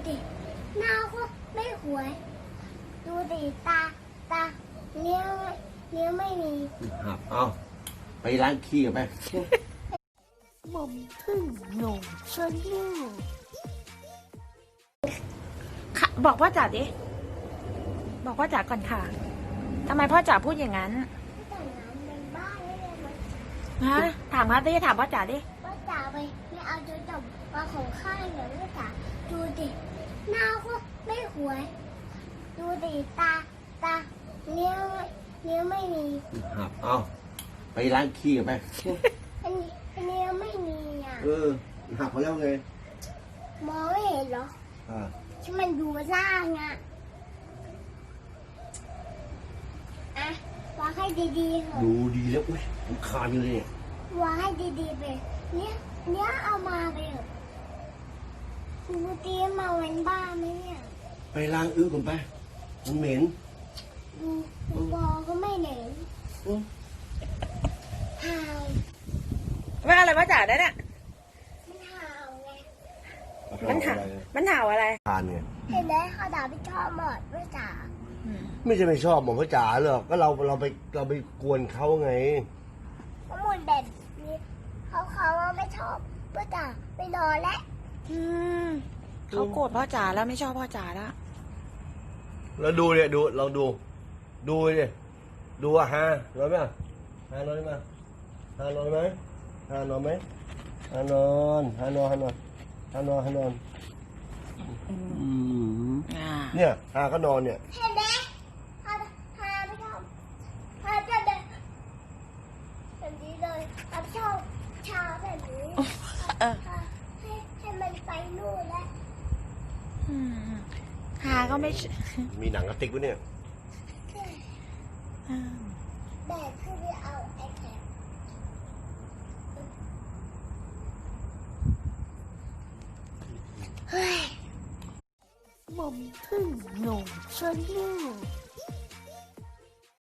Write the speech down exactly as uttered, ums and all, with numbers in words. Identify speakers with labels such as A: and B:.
A: ดิหน้าก็ไม่หวยดูดิตาตาเลี้ยวเลี้ยวไม่มี
B: หับเอาไปล้างขี้กันไป
A: หม่อมพึ่งหนุ่มชวนหิ้ว
C: ค่ะบอกพ่อจ๋าดิ บอกพ่อจ๋าก่อนค่ะ ทำไมพ่อจ๋าพูดอย่างนั้น
A: แต่งงานเป็นบ้านไม่ได้มา
C: ฮะ ถามครับดิถามพ่อจ๋าดิ
A: ว่าจ๋าไปไม่เอาจุดจบมาของข้าอย่างนี้จ๋าดูดิหน้าก็ไม่หวยดูดิตาตาเลี้ยวเลี้ยวไม่มี
B: หับเอาไปล้างขี้กันไป
A: อันนี้อันนี้ไม่มีอ่ะ
B: เออหับมาแล้วไง
A: มองไม่เห็นเหรอ
B: อ่า
A: ที่มันดูล่างอ่ะอะวางให้ดีๆเถอะ
B: ดูดีแล้วอุ้ยผมคานอยู่เลยเนี่ยว
A: างให้ดีๆไปเนี่ยเนี่ยเอามาไปเถอะดูดีมาเว้นบ้านไหมเนี่ย
B: ไปล้างอื้อก่อนไปมันเหม็น
A: ดูดูบอกก็ไม่เหน็น
B: อืม
A: ห่าว
C: ว่าอะไรพ่อจ๋าได้เนี่ย
A: มันห่าวไง
C: มันเห่า
B: อะไร
C: มันเห่าอะไร
B: คานไง
A: เห็นไหมเขาด่าพี่ชอบหมดไม่จ๋า
B: ไม่ใช่ไม่ชอบหมอพ่อจ๋าหรอกก็เราเราไปเราไปกวนเขาไง
A: ข้อมูลแบบนี้เขาเขาว่าไม่ชอบพี่จ๋าไปนอนแล้ว
C: อืมเขาโกรธพ่อจ๋าแล้วไม่ชอบพ่อจ๋าแล้ว
B: แล้วดูเนี่ยดูเราดู ดูเนี่ยดูอะฮะนอนไหมอะฮานอนไหมฮานอนไหมฮานอนไหมฮานอนฮานอนฮานอนฮานอนฮานอนอืม
C: อ่า
B: เนี่ยฮาก็นอนเนี่ย
A: เห็นไหมพาพาไม่ชอบพาจะแบบแบบนี้เลยพาชอบชาแบบนี้
C: เออ
A: พาให้ให้มันไปนู่นแล้ว
C: อืมหาก็ไม่ช
B: มีหนังกระติกวะเนี่ย
C: อืม
A: แบบคือไปเอาไอแพดเฮ้ยหม่อมพึ่งหนุ่มชวนหิ้ว